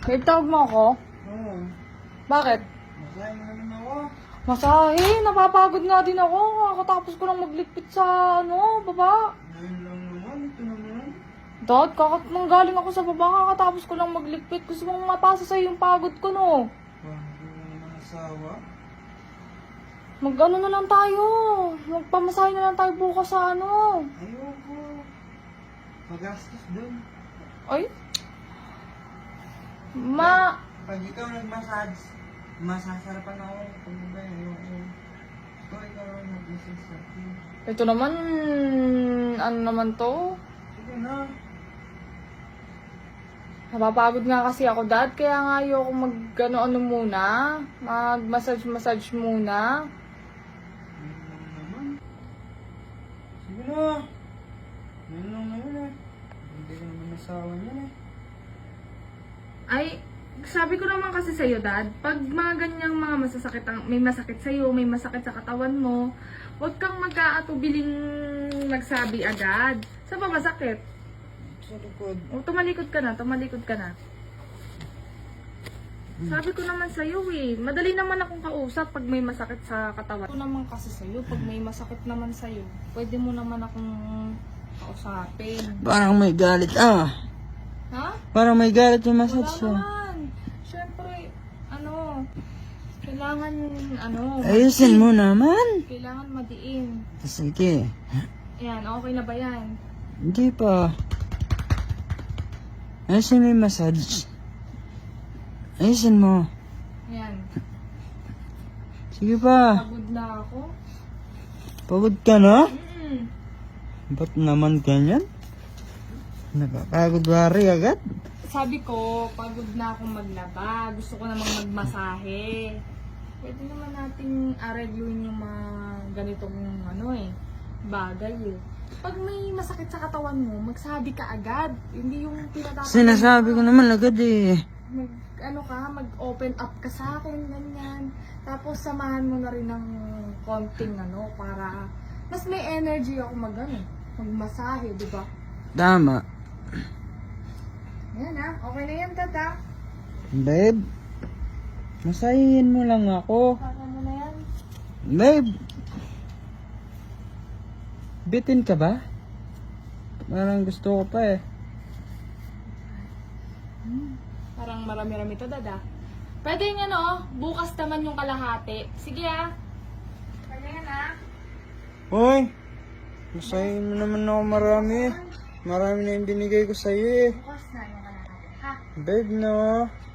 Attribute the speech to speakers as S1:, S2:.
S1: Babe, tawag mo ako?
S2: Oo.
S1: Bakit?
S2: Masahe mo naman ako.
S1: Masahe, napapagod nga din ako. Kakatapos ko lang magligpit sa, baba.
S2: Ngayon lang naman. Ito naman.
S1: Dad, nanggaling ako sa baba, kakatapos ko lang magligpit. Gusto mong mapasa sa'yo yung pagod ko, no?
S2: Hindi mo naman asawa.
S1: Mag-ano na lang tayo. Magpamasahe na lang tayo bukas sa
S2: Ayoko. Magastos dun.
S1: Ay?
S2: Pag ikaw nag-massage, masasarapan ako. Kung ba ayoko. Ikaw lang nag-massage sa akin.
S1: Ito naman, ano naman to?
S2: Sige na.
S1: Napapagod nga kasi ako, Dad. Kaya nga ayoko mag-ano muna. Mag-massage muna.
S2: Ngayon lang naman. Sige na. Ngayon lang naman eh. Hindi ka naman asawa niyan eh.
S1: Ay, sabi ko naman kasi sa'yo, Dad, pag mga ganyang mga may masakit sa'yo, may masakit sa katawan mo, huwag kang mag-aatubiling magsabi agad. Saan ba masakit?
S2: Sa likod.
S1: O, tumalikod ka na. Sabi ko naman sa'yo eh, madali naman akong kausap pag may masakit sa katawan. Ito naman kasi sa'yo, pag may masakit naman sa'yo, pwede mo naman akong kausapin.
S2: Parang may galit
S1: Ha?
S2: Parang may galit yung
S1: Wala
S2: massage
S1: naman. Siyempre, kailangan,
S2: Ayusin mo naman.
S1: kailangan madiin.
S2: Sige.
S1: Ayan, okay na ba yan?
S2: Hindi pa. Ayusin mo yung massage. Ayusin mo.
S1: Ayan,
S2: Sige pa.
S1: pagod na ako.
S2: Pagod ka na?
S1: Mm.
S2: Ba't naman ganyan? Nakakagod wari agad?
S1: Sabi ko, pagod na akong maglaba. Gusto ko namang magmasahe. Pwede naman nating aregluin yung mga ganitong bagay eh. Pag may masakit sa katawan mo, magsabi ka agad. Hindi yung tinatapos.
S2: Sinasabi ko naman agad eh.
S1: Mag-open up ka sa akin, ganyan. Tapos samahan mo na rin ng konting para mas may energy ako magmasahe, di ba?
S2: Tama.
S1: Yan okay na yan, tata.
S2: Babe, masahin mo lang ako.
S1: Para mo na yan.
S2: Babe, bitin ka ba? Parang gusto ko pa eh.
S1: Parang marami-rami to, dada. Pwede nga bukas naman yung kalahati. Sige Pwede nga
S2: Hoy, masahin mo naman ako marami. Marami na yung binigay ko sa'yo eh.
S1: Bukas na yung kalahati, ha?
S2: Babe, no?